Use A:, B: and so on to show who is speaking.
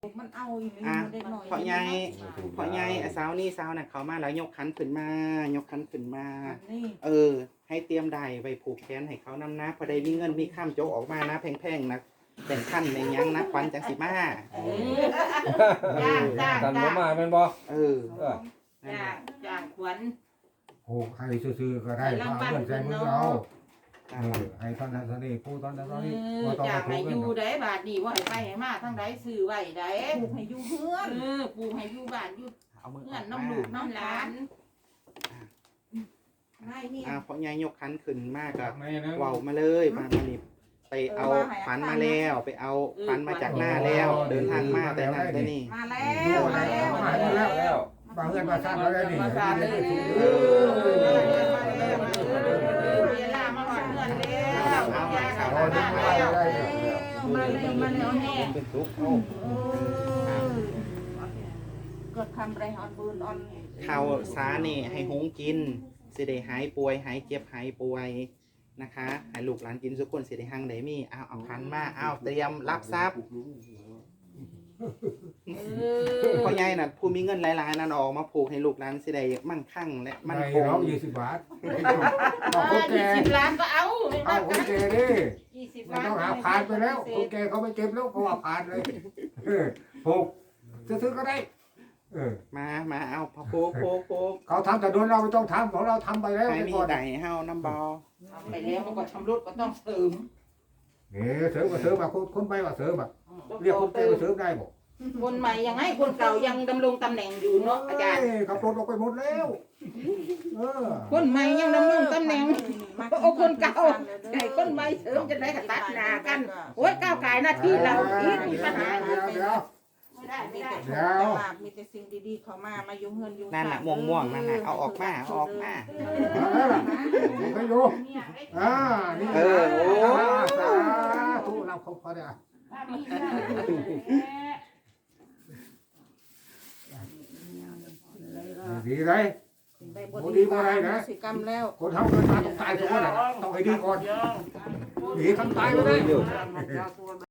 A: มันเอาอีกเด็กหน่อย
B: เพราะใหญ่สาวนี่สาวน่ะเขามาแล้วยกขันขึ้นมายกขันขึ้นมาให้เตรียมได้ไปผูกแขนให้เขานำนะพอได้มีเงินมีข้ามโจกออกมานะแพงๆนะแต่งขั้นในยังนะควันจังสิมา
C: กันบ่มาเป็นบ่
D: จ้างขวัญ
E: โอ้ใครซื้อก็ได้เอาเงินใส่มือเอาให้ตอนนั้นตอนนี้ผู้ตอนนั้นตอนนี้
D: จ้างให้อยู่ได้บาทนี่ว่าให้ไปให้มาทั้งใดซื้อไว้ได้
A: ปลูกให้อยู่เฮือน
D: ปลูกให้อยู่บ้านอยู่เฮือนน้ำลูกน้ำหลาน
B: เพราะใหญ่ยกขันขึ้นมากกับเว้ามาเลยมานี่ไปเอาฝันมาแล้วไปเอาฝันมาจากหน้าแล้วเดินทางมาแต่นั่นแต่นี่
A: มาแล้ว
E: บางเงินมาสร้างแล้วได้นี่
D: เวลามาหอดเงินแล้ว
A: มาแล้วแน่
B: เป็นทุกข์
A: ก็ทำไรออนบุญออน
B: ข้าวสานี่ให้หงกินสิได้หายป่วยหายเจ็บหายป่วยนะคะให้ลูกหลานกินทุกคนสิได้หังได้มีเอาขันมาเตรียมรับทรัพย์พ่อใหญ่น่ะผู้มีเงินหลายๆนั่นออกมาผูกให้ลูกหลานสิได้มั่งคั่งและมั่นคง
E: 20 บาท
D: 20 ล้านก็เอา
E: คนแก่ดิต้องหาผ่านไปแล้วคนแก่เขาไม่เก็บแล้วเขาว่าผ่านเลยผูกซื้อก็ได้
B: มาเอาพะโค
E: เขาทำแต่โดนเราไม่ต้องทำของเราทำไปแล้ว
B: ให้มีไดเฮาน้ำบอ
D: ทำไปแล้วมันก็ชำรุดก็ต้องเสริม
E: เสริมก็เสริมแบบคนไปว่าเสริมแบบเรียกคนแก่มาเสริมได้บอก
D: คนใหม่ยังให้คนเก่ายังดำรงตำแหน่งอยู่เนาะอาจารย์
E: ขับรถออกไปหมดแล้ว
D: คนใหม่ยังดำรงตำแหน่งโอ้คนเก่าไอ้คนใหม่เสริมจะได้ตัดหน้ากันโอ้ยก้าวไก่หน้าที่เราอีกมีปัญหา
E: เดี๋ยว
A: มีแต่สิ่งดีๆเขามาอยู่เฮือนอยู่
B: นั่นน่ะม่วงนั่นน่ะเอาออกมา
E: ไปอยู่นี่สาธุเราเขาพอได้ดีเลยดีมาอะไรนะ
A: สิกรรมแล้ว
E: คนทำเกินมาต้องตายทุกคนต้องให้ดีก่อนดีทำตายก็ได้